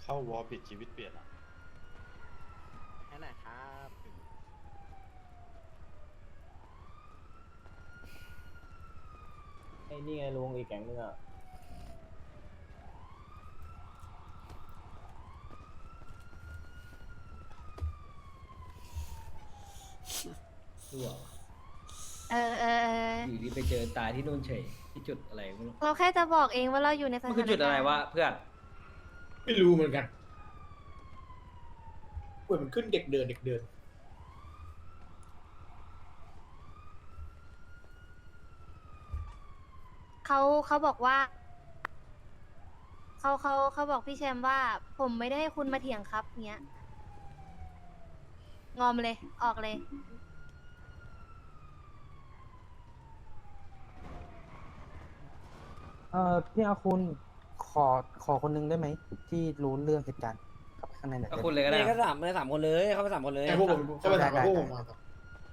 [SPEAKER 6] เข้าวอลปิดชีวิตเปลี่ยนอ่ะ
[SPEAKER 5] แค่ไหนครับ
[SPEAKER 1] ไอ้นี่ไงลุงอีกแก๊งนึงอ่ะ
[SPEAKER 9] เออเออเออ
[SPEAKER 5] อยู่ดีไปเจอตายที่นู่นเฉยที่จุดอะไรไม่รู้
[SPEAKER 9] เราแค่จะบอกเองว่าเราอยู่ในสถา
[SPEAKER 5] มัน
[SPEAKER 9] น
[SPEAKER 5] คือจุดอะไร
[SPEAKER 9] การณ์
[SPEAKER 5] วะเพื่อน
[SPEAKER 3] ไม่รู้เหมือนกันเว้ยมันขึ้นเด็กเดินเด็กเดิน
[SPEAKER 9] เขาเขาบอกว่าเขาเขาเขาบอกพี่แชมป์ว่า ผมไม่ได้ให้คุณมาเถียงครับเงี้ยงอมเลยออกเลย
[SPEAKER 10] เออพี่อาคุณขอขอคนนึงได้ไหมที่รู้เรื่องเหตุการณ์ครับข้างในหน่อย
[SPEAKER 5] ก็
[SPEAKER 10] ได้ไหม
[SPEAKER 5] คุณเลยก็ได้
[SPEAKER 4] นี่ก็สามเลยสามคนเลยเข้าไปสามคนเลย
[SPEAKER 3] แต่พวกผมก็ไปถามว่าพวกผมมาต่อ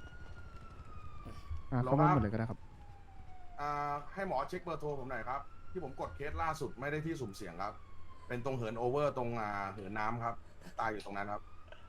[SPEAKER 8] อ่าเข้ามาหมดเลยก็ได้ครับ
[SPEAKER 1] อ่าให้หมอเช็คเบอร์โทรผมหน่อยครับ ที่ผมกดเคสล่าสุดไม่ได้ที่สุ่มเสี่ยงครับ เป็นตรงเหินโอเวอร์ตรงอ่าเหินน้ำครับ ตายอยู่ตรงนั้นครับ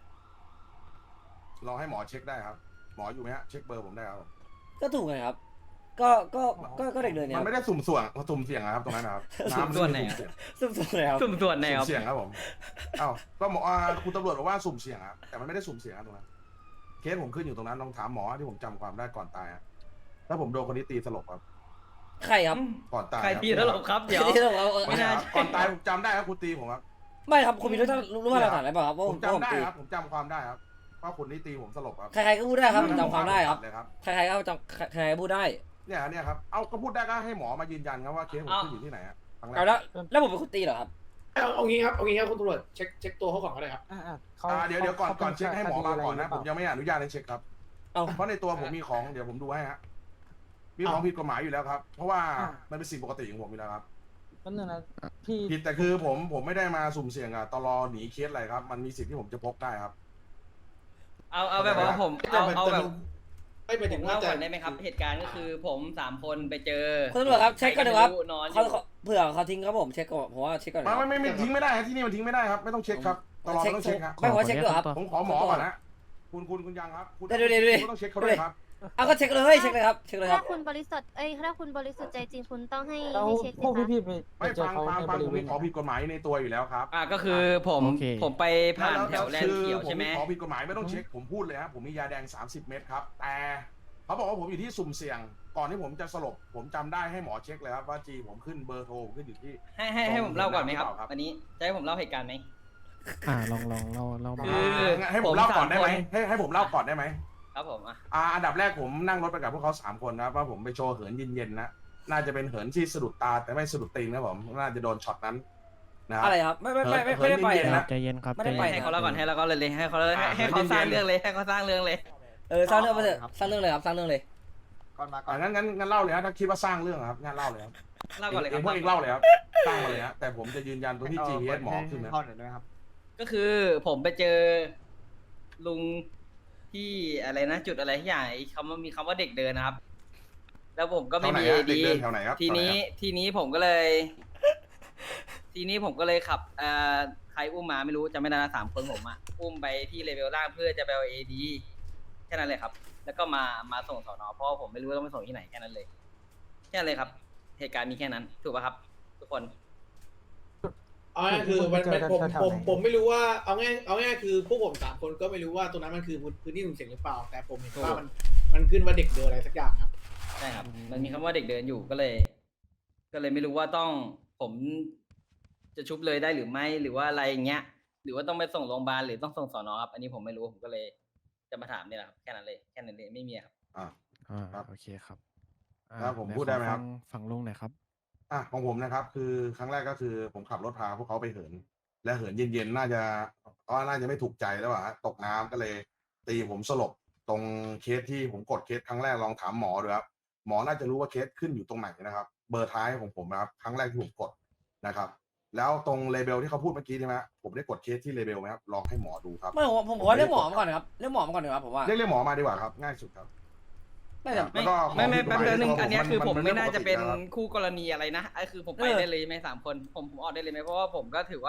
[SPEAKER 1] รอให้หมอเช็คได้ครับ หมออยู่ไหมฮะเช็คเบอร์ผมได้ครับ
[SPEAKER 4] ก็ถูกไงครับ ก็ก็ก็ก็เด็กเดินเนี่ย
[SPEAKER 1] มันไม่ได้สุ่มส่วงสุ่มเสี่ยงนะครับตรงนั้นนะครับ
[SPEAKER 5] สุ่มส่วนไหน
[SPEAKER 1] ำ
[SPEAKER 5] อะ
[SPEAKER 1] สุ่มเสี่ยง
[SPEAKER 4] สุ่มๆเลยครับ
[SPEAKER 5] สุ่มส่วนไหนค
[SPEAKER 1] สุ่
[SPEAKER 5] รั
[SPEAKER 1] ม
[SPEAKER 5] บ
[SPEAKER 1] เสี่ยงครับผมเอ้าก็หมออ่าคุณตำรวจบอกว่าสุ่มเสี่ยงครับแต่มันไม่ได้สุ่มเสี่ยงครับตรงนั้นเคสผมขึ้นอยู่ตรงนั้นลองถามหมอที่ผมจำความได้ก่อนตายครับแล้วผมโดนคนนี้ตีสลบครับ
[SPEAKER 4] ใครครับ
[SPEAKER 1] ก่อนตาย
[SPEAKER 5] ใครพี่แล้วหรอครับเดี๋ยว
[SPEAKER 4] ที่เราเอาเอา
[SPEAKER 1] ไม่
[SPEAKER 5] ไม่
[SPEAKER 1] น่า
[SPEAKER 5] น่า
[SPEAKER 1] ก่อนตายผมจำได้ครับคุณตีผมครับ
[SPEAKER 4] ไม่ครับคุณมีรู้ท่านรู้ว่าเราถามอะไรเปล่าครับว่า
[SPEAKER 1] ผ
[SPEAKER 4] ผม ม
[SPEAKER 1] จำ
[SPEAKER 4] ผม
[SPEAKER 1] ได้
[SPEAKER 4] ตี
[SPEAKER 1] ครับผมจำความได้ครับว่าคนนี้ตีผมสลบครับ
[SPEAKER 4] ใครๆก็พูดได้ครับผมจำความได้ครับ
[SPEAKER 1] เลยครับ
[SPEAKER 4] ใครๆก็จำใครๆก็พูดได้
[SPEAKER 1] เนี่ยเนี่ยครับเอาก็พูดได้ก็ให้หมอมายืนยันครับว่าเคสผมขึ้นอยู่ที่ไหนอะครั้งแรก
[SPEAKER 4] เอาแล้วแล้วผมเป็นคนตีเหรอครับ
[SPEAKER 3] เอาเอางี้ครับเอางี้ครับคุณตำรวจเช็คเช็คตัวเขาก่อนก็ได้ครับ
[SPEAKER 10] อ่าอ่าเขา
[SPEAKER 1] อ่าเดี๋ยวเดี๋ยวก่อน
[SPEAKER 10] ขา
[SPEAKER 1] ก่อนเช็คให้หมอมาก่อนนะ
[SPEAKER 10] ค
[SPEAKER 1] ผ
[SPEAKER 10] ดี
[SPEAKER 1] ม
[SPEAKER 10] ไร
[SPEAKER 1] ยังไม่อนุญาตให้เช็คครับ
[SPEAKER 4] เอา
[SPEAKER 1] เพราะในตัวผมมีของเดี๋ยวผมดูให้ฮะมีของผิดกฎหมายอยู่แล้วครับ เพราะว่า
[SPEAKER 10] อ่า
[SPEAKER 1] มันเป็นสิ่งปกติของผมอยู่แล้วครับ
[SPEAKER 10] นั่นนึงนะพี่
[SPEAKER 1] ผิดแต่คือผมผมไม่ได้มาสุ่มเสี่ยงอะตลอหนีเคสอะไรครับ มันมีสิทธิ์ที่ผมจะพกได้ครับ
[SPEAKER 5] เอาเอาแบบว่าผมเอาเอาแบบ
[SPEAKER 3] ไม่ไป
[SPEAKER 5] ผ
[SPEAKER 3] ถึง
[SPEAKER 5] ม
[SPEAKER 3] ว่า
[SPEAKER 5] เล่า
[SPEAKER 3] จะ
[SPEAKER 5] ก่อนได้ไหมครับ เหตุการณ์ก็คือผมสามคนไปเจอ
[SPEAKER 4] คุณตำรวจครับเช็คก่อนดีกว่าครับ
[SPEAKER 5] ใก็ไม่นอนอ
[SPEAKER 4] เขา
[SPEAKER 5] ยู่
[SPEAKER 4] เขาเผื่อเขาทิ้งครับผมเช็คก่อนผมว่าเช็คก่อน
[SPEAKER 1] ไม่ไม่ไม่ไม่ทิ้งไม่ได้ฮะที่นี่มันทิ้งไม่ได้ครับไม่ต้องเช็คครับตลอไม่ต้องเช็คครับ
[SPEAKER 4] ไม่ผมว่าเช็คด้วยครับ
[SPEAKER 1] ผมขอหมอก่อนนะคุณคุณคุณยังครับคุณ
[SPEAKER 4] เดี๋ยวเดี๋ยวเดี๋ยว
[SPEAKER 1] คุณต้องเช็คเขาด้วยครับ
[SPEAKER 4] เอาก็เช็คเลยเช็คเลยครับเช็คเลยค
[SPEAKER 9] ถ้า
[SPEAKER 4] รับ
[SPEAKER 9] คุณบริสุทธิ์เอ้ยถ้าคุณบริสุทธิ์ใจจริงคุณต้องให้
[SPEAKER 10] แล้ว
[SPEAKER 9] ให้เช็ค
[SPEAKER 10] พวก
[SPEAKER 9] สิคะ
[SPEAKER 10] พี่ๆไปไป
[SPEAKER 1] ไม่
[SPEAKER 10] เจอ
[SPEAKER 1] ฟัง
[SPEAKER 10] เขา
[SPEAKER 1] ฟัง
[SPEAKER 10] ใน
[SPEAKER 1] ฟั
[SPEAKER 10] บ
[SPEAKER 1] ง
[SPEAKER 10] ริ
[SPEAKER 1] ผม
[SPEAKER 10] เว
[SPEAKER 1] มี
[SPEAKER 10] ณ
[SPEAKER 1] ของผิดกฎหมายในตัวอยู่แล้วครับ
[SPEAKER 5] อ่าก็คือผม
[SPEAKER 8] โอเค
[SPEAKER 5] ผมไปผ่านแถวแลนด์
[SPEAKER 1] คือ
[SPEAKER 5] เขียวใช่ไหม
[SPEAKER 1] ผของผิดกฎหมายไม่ต้องเช็คผมพูดเลยครับผมมียาแดงสามสิบเม็ดครับแต่เขาบอกว่าผมอยู่ที่สุ่มเสี่ยง ก่อนที่ผมจะสลบผมจำได้ให้หมอเช็คเลยครับว่าจีผมขึ้นเบอร์โทรผมขึ้นอยู่ที่
[SPEAKER 5] ให้ให้ให้ผมเล่าก่อนไหมครับ
[SPEAKER 1] ครับ
[SPEAKER 5] อันนี้จะให้ผมเล่าเหตุการณ์ไหม
[SPEAKER 8] อ่าลองลองเล่าเล่ามา
[SPEAKER 5] คือ
[SPEAKER 1] งั้นให้ผมเล่าก่อนได้ไหม
[SPEAKER 5] ผมสามคน
[SPEAKER 1] ให้ให้ผมเล่าก่อนได้ไหม
[SPEAKER 5] ครับผมอ่ะ
[SPEAKER 1] อ่าอันดับแรกผมนั่งรถไปกับพวกเขาสามคนนะครับว่าผมไปโชว์เหินเย็นๆนะน่าจะเป็นเหินที่สะดุดตาแต่ไม่สะดุดตีนนะผมน่าจะโดนช็อตนั้นนะครับ
[SPEAKER 4] อะไรครับไม่ไม่ไม่ไม่ไม่ได้ไป
[SPEAKER 1] เหินเย็นๆ
[SPEAKER 4] นะ
[SPEAKER 1] นะ
[SPEAKER 8] ใจเย็นครับ
[SPEAKER 4] ไม่ได้
[SPEAKER 8] ใจ
[SPEAKER 4] ไป
[SPEAKER 8] เย็น
[SPEAKER 5] ให้เขาเล่าก่อนให้เราก็เลยเลยให้เขาเลยให้
[SPEAKER 1] อ่า
[SPEAKER 5] ให้เขาสร้าง
[SPEAKER 1] เย็นๆ
[SPEAKER 5] เรื่องเลยให้เขาสร้างเรื่องเลย
[SPEAKER 4] เออสร้างเรื่องมาเถอะสร้างเรื่องเลยครับสร้างเรื่องเลย
[SPEAKER 10] ก่อนมาก่อ
[SPEAKER 1] อ่าน งั้นงั้นงั้นเล่าเลยฮะถ้าคิดว่าสร้างเรื่องอะครับงั้นเล่าเลยครับ
[SPEAKER 5] เล่าก่อนเลยค
[SPEAKER 1] เอ
[SPEAKER 5] รับ
[SPEAKER 1] งพวกเองเล่าเลยครับสร้างมาเลยฮะแต่ผมจะยืนยันตัวที่ จี พี เอส หมอขึ้นนะ
[SPEAKER 10] เข้าหน่อยได้ไหมครับ
[SPEAKER 5] ก็คือผมไปเจอลุงที่อะไรนะ จุดอะไรที่อย่างไอ้คำว่ามีคำว่าเด็กเดินนะครับ แล้วผมก็ไม่มี
[SPEAKER 1] แถวไหน
[SPEAKER 5] เอ
[SPEAKER 1] ฮะเด็ก
[SPEAKER 5] ดี
[SPEAKER 1] เดินแถวไหนครับ
[SPEAKER 5] ทีนี้
[SPEAKER 1] แถวไหนครับ
[SPEAKER 5] ทีนี้ผมก็เลย ทีนี้ผมก็เลยขับเอ่อใครอุ้มมาไม่รู้จะไม่ได้นะสามคนผมอะอุ้มไปที่เลเวลล่างเพื่อจะไปเอาเอดีแค่นั้นเลยครับ แล้วก็มามาส่งสอนอเพราะว่าผมไม่รู้ว่าต้องไปส่งที่ไหนแค่นั้นเลย แค่นั้นเลยครับ เหตุการณ์มีแค่นั้น ถูกป่ะครับ ทุกคน
[SPEAKER 3] เอาง่ายๆคือมันมันผม
[SPEAKER 10] แถวๆ
[SPEAKER 3] ผม
[SPEAKER 10] ไหน
[SPEAKER 3] ผมไม่รู้ว่าเอาง่ายเอาง่ายๆคือพวกผมสามคนก็ไม่รู้ว่าตรงนั้นมันคือพื้นที่สุ่มเสี่ยงหรือเปล่า แต่ผมเห็นว่ามันมันขึ้นว่าเด็กเดินอะไรสักอย่างครับ
[SPEAKER 5] ใช่ครับ มันมีคำว่าเด็กเดินอยู่ก็เลย ก็เลยไม่รู้ว่าต้องผมจะชุบเลยได้หรือไม่หรือว่าอะไรอย่างเงี้ย หรือว่าต้องไปส่งโรงพยาบาลหรือต้องส่งสอนอครับ อันนี้ผมไม่รู้ผมก็เลยจะมาถามเนี่ยแหละครับแค่นั้นเลยแค่นั้นเลยไม่มีครับ
[SPEAKER 1] อ่า
[SPEAKER 8] อ่า
[SPEAKER 1] ครับ
[SPEAKER 8] โอเคครับอ่า
[SPEAKER 1] ครับผม
[SPEAKER 8] หน
[SPEAKER 1] พูดได้ไหม
[SPEAKER 8] ขอ
[SPEAKER 1] ครับ
[SPEAKER 8] ฟังฝั่งลุงหน่อยครับ
[SPEAKER 1] อ่ะของผมนะครับ คือครั้งแรกก็คือผมขับรถพาพวกเขาไปเหิน และเหินเย็นๆน่าจะก็น่าจะไม่ถูกใจแล้วอะฮะตกน้ำก็เลย ตีผมสลบตรงเคสที่ผมกดเคสครั้งแรกลองถามหมอดูครับหมอน่าจะรู้ว่าเคสขึ้นอยู่ตรงไหนนะครับ เบอร์ท้ายของผมนะครับครั้งแรกที่ผมกดนะครับ แล้วตรงเลเบลที่เขาพูดเมื่อกี้ใช่ไหมฮะผมได้กดเคสที่เลเบลไหมครับลองให้หมอดูครับ
[SPEAKER 4] ไม่ผมผมขอเรียกหมอมาก่อนนะครับเรียกหมอมาก่อนดีกว่าผมว่า
[SPEAKER 1] เรียกเรียกหมอมาดีกว่าครับ ง่ายสุดครับ
[SPEAKER 4] ไม่แต่
[SPEAKER 5] ไม่
[SPEAKER 1] แล้วก็
[SPEAKER 5] ไม่ไม่
[SPEAKER 1] ของ
[SPEAKER 5] แป๊บ
[SPEAKER 1] ผิดกฎหมาย
[SPEAKER 5] เดียวนึง
[SPEAKER 1] ในตัว
[SPEAKER 5] อันเนี้ย
[SPEAKER 1] ผม
[SPEAKER 5] คือผม
[SPEAKER 1] มัน
[SPEAKER 5] ไม่น่าจะเป็น
[SPEAKER 1] มันไม่ปกตินะครับ
[SPEAKER 5] คู่กรณีอะไรนะไอ้คือผมไป
[SPEAKER 4] เออ
[SPEAKER 5] ได้เลยไหมสามคนผมผมออกได้เลยไหมเพราะว่าผมก็ถือว่า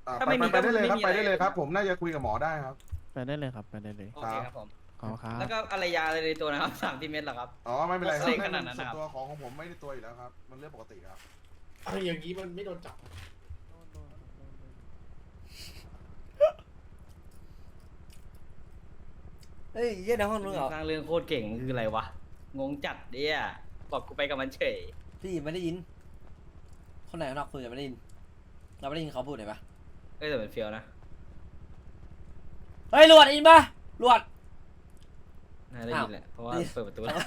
[SPEAKER 1] อ่า
[SPEAKER 5] ถ้า
[SPEAKER 1] ไป
[SPEAKER 5] ไม่
[SPEAKER 1] ไป
[SPEAKER 5] มี
[SPEAKER 1] ไปได้เลยครับ
[SPEAKER 5] ก็
[SPEAKER 1] ไป
[SPEAKER 5] ไม่มี
[SPEAKER 1] ได้เลย
[SPEAKER 5] อะไร
[SPEAKER 1] ครับ ผมน่าจะคุยกับหมอได้ครับ
[SPEAKER 8] ไปได้เลยครับ ไปได้เลย
[SPEAKER 5] โอเคครับผม
[SPEAKER 8] ขอบคุณครับ
[SPEAKER 5] แล้วก็อะไรยาอะไรในตัวนะครับ สามที่เม็ดเหรอครับ
[SPEAKER 1] อ๋อไม่เป็นไรครั
[SPEAKER 5] เซ็
[SPEAKER 1] บ
[SPEAKER 5] งขนาดนั้น
[SPEAKER 1] ส่
[SPEAKER 5] นะครับ
[SPEAKER 1] วนตัวของของผมไม่ได้ตัวอยู่แล้วครับ มันเรื่องปกติครับ
[SPEAKER 3] เอาอย่างนี้มันไม่โดนจับ
[SPEAKER 4] เฮ้ยเยี่ยในห้องนู้นเหรอ
[SPEAKER 5] สร้างเรื่องโคตรเก่งคืออะไรวะ งงจัดเนี่ยบอกกูไปกับมันเฉย
[SPEAKER 4] พี่ไม่ได้ยิน คนไหนข้างนอกคุยแต่ไม่ได้ยิน เราไม่ได้ยินเขาพูดเลยปะ
[SPEAKER 5] เอ้ยแต่เป็นเฟียวนะ
[SPEAKER 4] เฮ้ยหลวดได้ยินปะหลวด
[SPEAKER 5] น่าได้ยินแหละ เพราะว่า
[SPEAKER 4] อ้าว
[SPEAKER 5] เปิดประตูแล้ว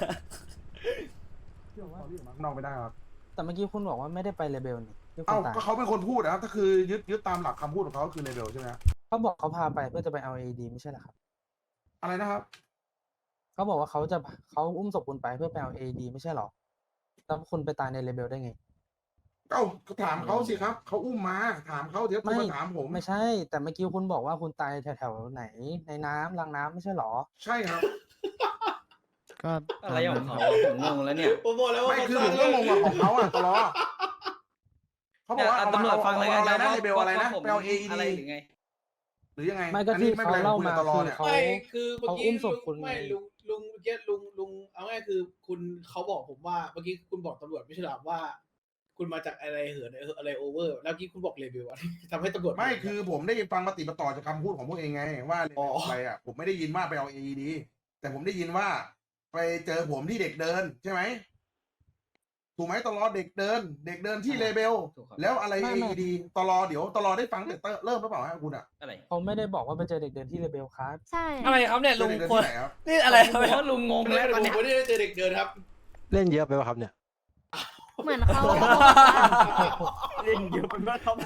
[SPEAKER 1] นอกไม่ได้ครับ
[SPEAKER 10] แต่เมื่อกี้คุณบอกว่าไม่ได้ไปเลเบลนี่ที่คุ
[SPEAKER 1] เอ้า
[SPEAKER 10] ณตาย
[SPEAKER 1] ก็เขาเป็นคนพูดนะครับถ้าคือยึดยึดตามหลักคำพูดของเขาคือเลเวลใช่ไหมครับ
[SPEAKER 10] เขาบอกเขาพาไปเพื่อจะไปเอาเอดีไม่ใช่เหรอครับ
[SPEAKER 1] อะไรนะครับ
[SPEAKER 10] เขาบอกว่าเขาจะเขาอุ้มศพคุณไปเพื่อไปเอาเอดีไม่ใช่เหรอแล้วคุณไปตายในเลเบลได้ไง
[SPEAKER 1] เอ้าก็ถามเขาสิครับเขาอุ้มมาถามเขาเดี๋ยวคุณมาถามผม
[SPEAKER 10] ไม่ใช่ แต่เมื่อกี้คุณบอกว่าคุณตายแถวๆไหนในน้ำรางน้ำไม่ใช่เหรอ
[SPEAKER 1] ใช่ครับ
[SPEAKER 8] ก็
[SPEAKER 5] อะไรของเขา
[SPEAKER 8] ตามนั้นครับ
[SPEAKER 5] ผมงงแล้วเนี่ย
[SPEAKER 3] ผมบอกแล้วว่า
[SPEAKER 1] ไม่
[SPEAKER 3] มัน
[SPEAKER 1] คือ
[SPEAKER 3] ส
[SPEAKER 1] ผ
[SPEAKER 3] ร้าง
[SPEAKER 1] มก็งงกับของเขาอ่ะตลอดเขาบอกว่า
[SPEAKER 5] เนี่ย
[SPEAKER 1] เอา
[SPEAKER 5] ตำรวจ
[SPEAKER 1] เอา
[SPEAKER 5] ฟังเลย
[SPEAKER 1] เอาอะไรนะ
[SPEAKER 5] ว่า
[SPEAKER 1] เลเบลอะไรนะ
[SPEAKER 5] ว่าผม
[SPEAKER 1] ไปเอาเอ
[SPEAKER 5] อะไร
[SPEAKER 1] ดี
[SPEAKER 5] หรือไง
[SPEAKER 1] หรือยังไง
[SPEAKER 10] ไม่ก็
[SPEAKER 1] อันนี้
[SPEAKER 10] ที่
[SPEAKER 1] ไม่เป็นไร
[SPEAKER 10] เขาเล่า
[SPEAKER 1] คุยกับ
[SPEAKER 10] มา
[SPEAKER 1] ตลอด
[SPEAKER 10] คือ
[SPEAKER 1] เนี่ย
[SPEAKER 10] เขา
[SPEAKER 3] ไม่คือเมื่อ
[SPEAKER 10] เขา
[SPEAKER 3] กี้
[SPEAKER 10] อุ้มศ
[SPEAKER 3] ลุ
[SPEAKER 10] พ
[SPEAKER 3] ง
[SPEAKER 10] คุณ
[SPEAKER 3] ไม่
[SPEAKER 10] ไง
[SPEAKER 3] ลุงลุงเมื่อกี้ลุงลุงเอาง่ายคือคุณเขาบอกผมว่าเมื่อกี้คุณบอกตำรวจไม่ใช่หรอว่า คุณมาจากอะไรเหินอะไรโอเวอร์แล้วเมื่อกี้คุณบอกเลเวลอะ ทำให้ตำรวจ
[SPEAKER 1] ไม่คือผมได้ยินฟังปฏิปต่อจากคำพูดของพวกเองไง ว่าเลเวลอะไรอ่ะผมไม่ได้ยินว่าไปเอาเอดีแต่ผมได้ยินว่า ไปเจอผมที่เด็กเดินใช่ไหมถูกไหมตลอดเด็กเดิน เด็กเดินที่เลเบล
[SPEAKER 5] ถูกครับ
[SPEAKER 1] แล้วอะไร
[SPEAKER 10] ไม่
[SPEAKER 1] เอ
[SPEAKER 10] ไม่
[SPEAKER 1] ดีตลอเดี๋ยวตลอได้ฟังแต่เริ่มหรือเปล่าฮะคุณอ่ะ
[SPEAKER 5] อะไร
[SPEAKER 10] เขาไม่ได้บอกว่าไปเจอเด็กเดินที่เลเบลครับ
[SPEAKER 9] ใช่
[SPEAKER 4] อะไรครับเนี่ย
[SPEAKER 1] เจ
[SPEAKER 4] ลุ
[SPEAKER 1] อง เด็กเดิน
[SPEAKER 4] คน
[SPEAKER 1] ที่ไหนครับ
[SPEAKER 4] นี่อะไร
[SPEAKER 5] ผ
[SPEAKER 4] ครับ
[SPEAKER 5] มว่าลุงงง
[SPEAKER 3] ไม่
[SPEAKER 5] แล้ว
[SPEAKER 3] ได้
[SPEAKER 5] ตอนเนี้ย
[SPEAKER 3] ผมไม่ได้เจอเด็กเดินครับ
[SPEAKER 11] เล่นเยอะไปป่ะครับเนี่ย
[SPEAKER 9] เหมือนเขา
[SPEAKER 11] เล่นเยอะไปป่ะครับ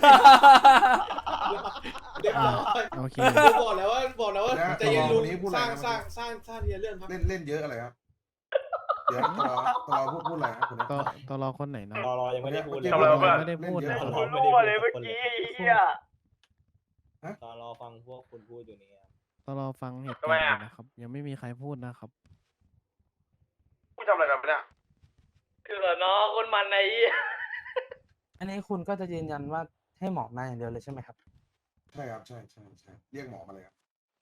[SPEAKER 3] เรียบร้อย
[SPEAKER 8] โอเค
[SPEAKER 3] ผมบอกแล้วว่าบอกแล้วว่า
[SPEAKER 1] แล้ว
[SPEAKER 3] ใจเย็นลุง
[SPEAKER 1] ตลอดวันนี้พูดอะไร
[SPEAKER 3] สร้าง
[SPEAKER 1] นะ
[SPEAKER 3] สร้างสร้างสร้างทีละเรื่องครับ
[SPEAKER 1] เล่นเล่นเยอะอะไรครับ เดี๋ยวตลอตลอพูดพูดอะไรครับคุณ
[SPEAKER 8] ต่อตอรอคนไหนนะ
[SPEAKER 11] รอรอยังไม่ได้พูดเลย
[SPEAKER 1] ทำอะไรวะ
[SPEAKER 8] ไม่ได้พูดนะ
[SPEAKER 1] เล่น
[SPEAKER 8] ค
[SPEAKER 1] เย
[SPEAKER 8] รับ
[SPEAKER 1] อะ
[SPEAKER 11] รั่วเลยเมื่อกี้เฮีย
[SPEAKER 1] ฮะ
[SPEAKER 11] รอรอฟังพวกคุณพูดอยู่นี่ครับ
[SPEAKER 8] ตอรอฟังเหตุ
[SPEAKER 6] ทำ
[SPEAKER 8] กา
[SPEAKER 6] ไม
[SPEAKER 8] รณ์
[SPEAKER 6] อะ
[SPEAKER 8] ก่อนนะครับ ยังไม่มีใครพูดนะครับ
[SPEAKER 6] กูทำอะไรกันไปเนี่ย
[SPEAKER 5] คือเหรอน้องคนมันไอ้
[SPEAKER 10] อันนี้คุณก็จะยืนยันว่าให้หมอมาอย่างเดียวเลยใช่ไหมครับ
[SPEAKER 1] ใช่ครับใช่ใช่ใช่เรียกหมอมาเลยครับ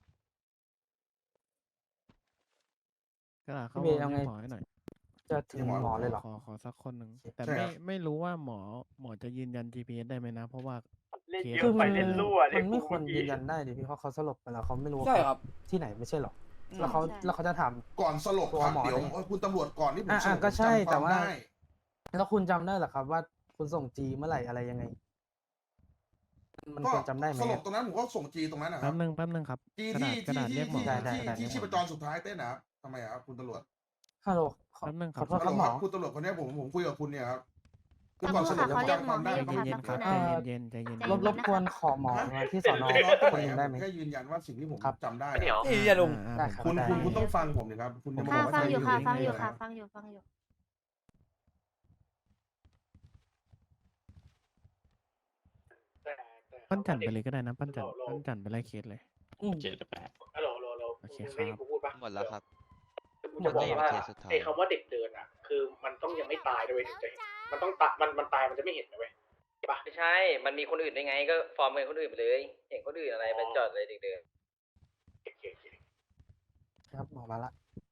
[SPEAKER 8] ก็ได้เข้า
[SPEAKER 10] พี่
[SPEAKER 8] มา
[SPEAKER 10] เบย์เอาไง
[SPEAKER 8] เรียกหมอให้หน่อย
[SPEAKER 10] จะถึงหมอเลยเหรอ
[SPEAKER 8] ขอขอสักคนหนึ่งแต่
[SPEAKER 1] ใช่
[SPEAKER 8] ไม่
[SPEAKER 1] ครับ
[SPEAKER 8] ไม่รู้ว่าหมอหมอจะยืนยัน จี พี เอส ได้ไหมนะ เพราะว่า
[SPEAKER 11] เล่นเย
[SPEAKER 10] คือ
[SPEAKER 11] อะ
[SPEAKER 10] มั
[SPEAKER 11] ไป
[SPEAKER 10] น
[SPEAKER 11] เล่นรั่ว
[SPEAKER 10] มั
[SPEAKER 11] เล่น
[SPEAKER 10] น
[SPEAKER 11] กู
[SPEAKER 10] ไม่ควร
[SPEAKER 11] เมื่อ
[SPEAKER 10] ยื
[SPEAKER 11] กี้
[SPEAKER 10] นยันได้ดิพี่เพราะเขาสลบไปแล้วเขาไม่รู้ว่า
[SPEAKER 4] ใช่ครับ
[SPEAKER 10] ที่ไหนไม่ใช่หรอ
[SPEAKER 4] อืม
[SPEAKER 10] แล้วเขา
[SPEAKER 9] ใช่
[SPEAKER 10] แล้วเขาจะถาม
[SPEAKER 1] ก่อนสลบ
[SPEAKER 10] ตัว
[SPEAKER 1] ครับ
[SPEAKER 10] หมอ
[SPEAKER 1] เดี๋ยว
[SPEAKER 10] ได้ไง
[SPEAKER 1] คุณตำรวจก่อนที่ผม
[SPEAKER 10] อ่ะ
[SPEAKER 1] สล
[SPEAKER 10] อ่ะ
[SPEAKER 1] บ
[SPEAKER 10] ก็ใช่
[SPEAKER 1] ผมจำ
[SPEAKER 10] แต่
[SPEAKER 1] ความ
[SPEAKER 10] ว่า
[SPEAKER 1] ได้
[SPEAKER 10] แล้วคุณจำได้เหรอครับว่าคุณส่งจีเมื่อไหร่อะไรยังไง มัน
[SPEAKER 1] ก็
[SPEAKER 10] ควรจำได้ไหม
[SPEAKER 1] สลบตรงนั้นผมก็ส่งจีตรงนั้นนะค
[SPEAKER 8] แป๊
[SPEAKER 1] รับบ
[SPEAKER 8] นึงแป๊บนึงครับ
[SPEAKER 1] จี
[SPEAKER 8] กระ
[SPEAKER 1] ที่
[SPEAKER 8] ดาษกระ
[SPEAKER 1] ที่
[SPEAKER 8] ดาษเรียกหมอ
[SPEAKER 1] ที่
[SPEAKER 10] ได้ได้
[SPEAKER 1] ที่
[SPEAKER 10] ได้
[SPEAKER 1] ที่
[SPEAKER 10] ได้
[SPEAKER 1] ชีพจรสุดท้ายเต้นนะครับทำไมอะครับคุณตำรวจ
[SPEAKER 10] ฮัลโหลขอ
[SPEAKER 8] แป๊บนึงค
[SPEAKER 10] ข
[SPEAKER 8] รั
[SPEAKER 10] อบ โทษ
[SPEAKER 1] ฮัล
[SPEAKER 10] ค
[SPEAKER 1] โหล
[SPEAKER 10] รับหม
[SPEAKER 1] ค
[SPEAKER 10] อ
[SPEAKER 1] รับคุณตำรวจคนเนี้ยผมผมคุยกับคุณเนี่ยครับคือ
[SPEAKER 9] ตำร
[SPEAKER 1] ก่อ
[SPEAKER 9] วน จ
[SPEAKER 1] สลบ
[SPEAKER 9] ค่ะ
[SPEAKER 1] ผม
[SPEAKER 9] เขาเรียก
[SPEAKER 1] จำ
[SPEAKER 9] ห
[SPEAKER 1] ค
[SPEAKER 9] มอ
[SPEAKER 1] วามได้
[SPEAKER 9] เรียก
[SPEAKER 8] ใจ
[SPEAKER 9] นะคะ
[SPEAKER 8] เย็นๆครับ
[SPEAKER 9] สัก
[SPEAKER 8] ใจ
[SPEAKER 9] ครู่นะ
[SPEAKER 8] เย็นๆใจเย็น
[SPEAKER 9] ใจ
[SPEAKER 10] ร
[SPEAKER 9] เย็
[SPEAKER 10] บ
[SPEAKER 9] น
[SPEAKER 10] รบกวนขอหมอมาที่สอนอ
[SPEAKER 1] ตลอด
[SPEAKER 10] คนหนึ่งได้ไหม
[SPEAKER 1] แค่ยืนยันว่าสิ่งที่ผม
[SPEAKER 10] ครับ
[SPEAKER 1] จำได้
[SPEAKER 6] เดี๋ยว
[SPEAKER 1] อะ
[SPEAKER 4] นี่อย่าลุง
[SPEAKER 8] อ่า
[SPEAKER 10] ได้
[SPEAKER 8] อ่า
[SPEAKER 10] ครับ
[SPEAKER 1] คุณ
[SPEAKER 10] ได้
[SPEAKER 1] คุณคุณต้องฟังผมดิครับ คุณจะมาบ
[SPEAKER 9] ค่ะ
[SPEAKER 1] อกว่า
[SPEAKER 9] ฟังอยู่ค่ะ
[SPEAKER 1] ใจ
[SPEAKER 9] ฟัง
[SPEAKER 1] เน
[SPEAKER 9] อยู่
[SPEAKER 1] ๆ
[SPEAKER 9] ค่ะ
[SPEAKER 1] นะ
[SPEAKER 9] ฟังอยู่ฟังอยู่
[SPEAKER 3] แต่แต่
[SPEAKER 8] ปั้นจันไปเลยก็ได้นะปั้นจันปั้นจันไปไล่เคสเลย
[SPEAKER 10] อืม
[SPEAKER 11] เจ็ดแปด
[SPEAKER 3] ฮัลโหลฮัลโหลฮัลโหล
[SPEAKER 8] โอเค
[SPEAKER 3] มึงได้ยิน
[SPEAKER 8] ครับ
[SPEAKER 3] กูพูดปะ
[SPEAKER 11] หมดแล้วครับ
[SPEAKER 3] กูจะบอกว่าไอ้คำว่าเด็กเดินอ่ะ คือมันต้องยังไม่ตายด้วยถึงจะเห็นมันต้องตายมันมันตายมันจะไม่เห็นนะเว้ยใช่ปะ
[SPEAKER 5] ไม่ใช่ มันมีคนอื่นได้ไง ก็ฟอร์มเป็นคนอื่นไปเลย เห็นคนอื่นอะไรไปจอดอะไรเด็ก
[SPEAKER 3] โอเคโอเค
[SPEAKER 10] ครับหมอมาละ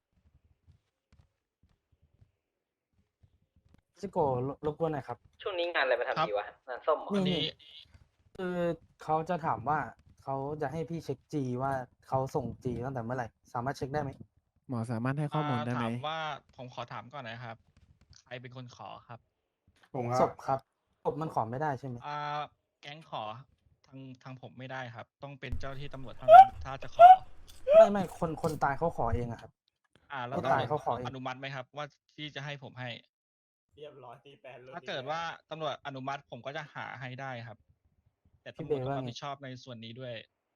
[SPEAKER 10] ซิโก้รรบกวนหน่อยครับ
[SPEAKER 5] ๆช่วงนี้งานอะไรมาทำดีวะ งานส้มเหรอ
[SPEAKER 10] นี่นี่คือเขาจะถามว่าเขาจะให้พี่เช็คจีว่าเขาส่งจีตั้งแต่เมื่อไหร่ สามารถเช็คได้ไหม
[SPEAKER 8] หมอสามารถให้ข้อมูลได้ไหม
[SPEAKER 12] ถามว่าผมขอถามก่อนนะครับ ใครเป็นคนขอครับ
[SPEAKER 1] ผมค
[SPEAKER 10] ศ
[SPEAKER 1] รับ
[SPEAKER 10] พครับศพมันขอไม่ได้ใช่ไหม
[SPEAKER 12] อ่าแก๊งขอทางทางผมไม่ได้ครับ ต้องเป็นเจ้าที่ตำรวจเท่านั้นถ้าจะขอ
[SPEAKER 10] ไม่ไม่คนคนตายเขาขอเองอะครับ
[SPEAKER 12] อ่าแล้ว
[SPEAKER 10] เขา
[SPEAKER 12] ตำ
[SPEAKER 10] ตาย
[SPEAKER 12] รวจ
[SPEAKER 10] เขาขอเอง
[SPEAKER 12] อนุมัติไหมครับ ว่าที่จะให้ผมให้
[SPEAKER 11] เรียบร้อยตีแปด
[SPEAKER 12] ถ้าเกิดว่าตำรวจอนุมัติผมก็จะหาให้ได้ครับ แต่
[SPEAKER 10] พี่
[SPEAKER 12] ตำ
[SPEAKER 10] เบ
[SPEAKER 12] รวจ
[SPEAKER 10] ย์
[SPEAKER 12] ต้อง
[SPEAKER 10] ว่า
[SPEAKER 12] รับ
[SPEAKER 10] ไง
[SPEAKER 12] ผิดชอบในส่วนนี้ด้วย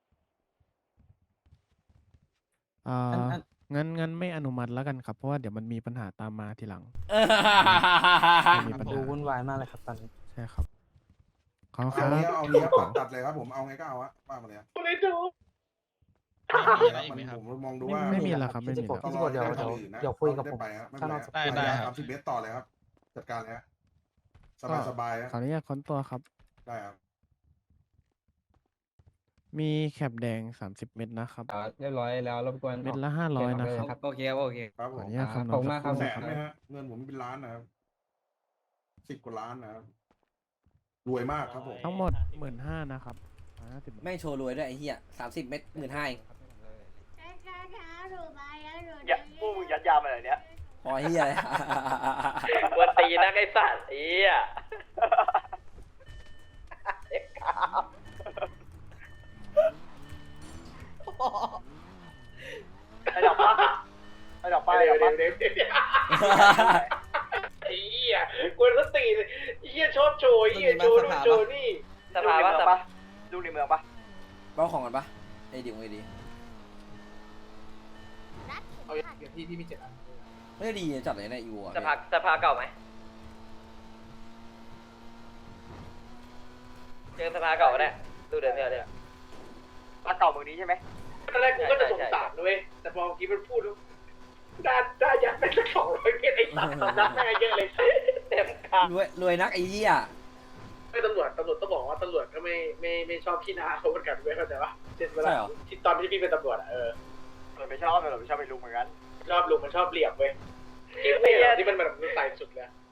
[SPEAKER 8] อ่า
[SPEAKER 10] อันอัน
[SPEAKER 8] งั้นงั้นไม่อนุมัติแล้วกันครับ เพราะว่าเดี๋ยวมันมีปัญหาตามมาทีหลัง มีปัญ
[SPEAKER 10] ดู
[SPEAKER 8] หา
[SPEAKER 10] วุ่นวายมากเลยครับตอนนี้
[SPEAKER 8] ใช่ครับขอบคุณค
[SPEAKER 1] เอา
[SPEAKER 8] รับ
[SPEAKER 1] เนี้ยเอาเนี้ยปัดตัดเลยครับผมเอาไงก็เอาอะว่ามาเลยอะ
[SPEAKER 3] กูเลยดู
[SPEAKER 12] มีอะไรอีกไหมครับ
[SPEAKER 1] ผมมองดูว่า
[SPEAKER 8] ไม่มีแล้วครับไม่มี
[SPEAKER 10] พี่
[SPEAKER 8] แล้ว
[SPEAKER 10] ซิโก้เดี๋ยวเดี๋ยวเดี๋ยวคุยกับผม
[SPEAKER 1] ไปครับไม่
[SPEAKER 10] ข้าง
[SPEAKER 1] เป็น
[SPEAKER 10] น
[SPEAKER 1] ไร
[SPEAKER 10] อก
[SPEAKER 1] ครับ
[SPEAKER 10] สภา
[SPEAKER 12] ได้ได้ครับ
[SPEAKER 1] ทำสิบเบสต่อเลยครับ จัดการเลยฮะสบายสบายๆฮะ
[SPEAKER 8] ขออนุญาตค้นตัวครับ
[SPEAKER 1] ได้ครับ
[SPEAKER 8] มีแคปแดงสามสิบเม็ดนะครับ
[SPEAKER 11] เรียบร้อยแล้วรบกวน
[SPEAKER 8] เม็ดละห้าร้อยนะครับ
[SPEAKER 5] โอเคครับโอเค
[SPEAKER 1] ครับ
[SPEAKER 8] ข
[SPEAKER 1] ผ
[SPEAKER 8] ออ
[SPEAKER 1] ม
[SPEAKER 8] นุญาตคำน
[SPEAKER 11] ข
[SPEAKER 8] ว
[SPEAKER 11] อบ
[SPEAKER 8] ณ
[SPEAKER 11] คุณมากครับ
[SPEAKER 1] แส
[SPEAKER 8] สั
[SPEAKER 1] น
[SPEAKER 8] ครู่
[SPEAKER 1] ไหม
[SPEAKER 8] นะค
[SPEAKER 1] ฮะ
[SPEAKER 8] รับ
[SPEAKER 1] เงินผมเป็นล้านนะครับสิบกว่าล้านนะครับรวยมากครับผม
[SPEAKER 8] ทั้งหมดหมื่นห้านะครับห้าสิบ
[SPEAKER 4] แม่งโชว์รวยด้วยไอ้เหี้ยสามสิบเม็ดหมื่นห้าเอง
[SPEAKER 7] อย่าพวกมึงยัดยามาอะไรเนี้ย
[SPEAKER 4] พอเหี้ยเลย
[SPEAKER 7] วันตีนะไอ้สัตว์เอี้ยเอ็กซ์ครับ ไอ้ดอกปะไอ้ดอกปะไอ้ดอกปะ
[SPEAKER 3] เดี๋ยวเดี๋ยวเดี๋ยวไอ้เหี้ยกวนสติเลยไอ้เหี้ยชอบโชว์ไอ้เหี้ยโชว์นู่นโชว์นี่
[SPEAKER 7] สภาปะสภาลูกในเมืองปะ
[SPEAKER 4] เบ้าของกันปะไอ้ดิวไอ้ดี
[SPEAKER 2] รัดเข็ม
[SPEAKER 3] เอา
[SPEAKER 2] ขัด
[SPEAKER 3] อย่างที่ที่มีเจ็ดอัน
[SPEAKER 4] ไม่ได้ดีจัดเลยนะอีวัว
[SPEAKER 7] สภาสภาเก่าไหมเจอสภาเก่าก็ได้ดูเดินเดียวเลยสภาเก่าเมืองนี้ใช่ไหม
[SPEAKER 3] ตอนแรกกูก็จะสงสารด้วยแต่พอเมื่อกี้มันพูดแล้วด้านด้านยัดไปสักสองร้อยเมตรไอ้สัตว์สำนักแม่งเยอะเลยเต็มคาร
[SPEAKER 4] วยรวยนักไอ้เหี้ย
[SPEAKER 3] ไม่ตำรวจตำรวจต้องบอกว่าตำรวจก็ไม่ไม่ไม่ชอบขี้หน้าเขาเหมือนกันเว้ยเข้าใจปะเช่นเวลาที่ตอนที่พี่เป็นตำรวจอะเออ
[SPEAKER 7] ตำรวจไม่ชอบตำรวจไม่ชอบไปลุกเหมือนกัน
[SPEAKER 3] ชอบลุงมันชอบเหลี่ยมเว้ยที่ไม่เหรอที่มันแบบใส่สุดเลย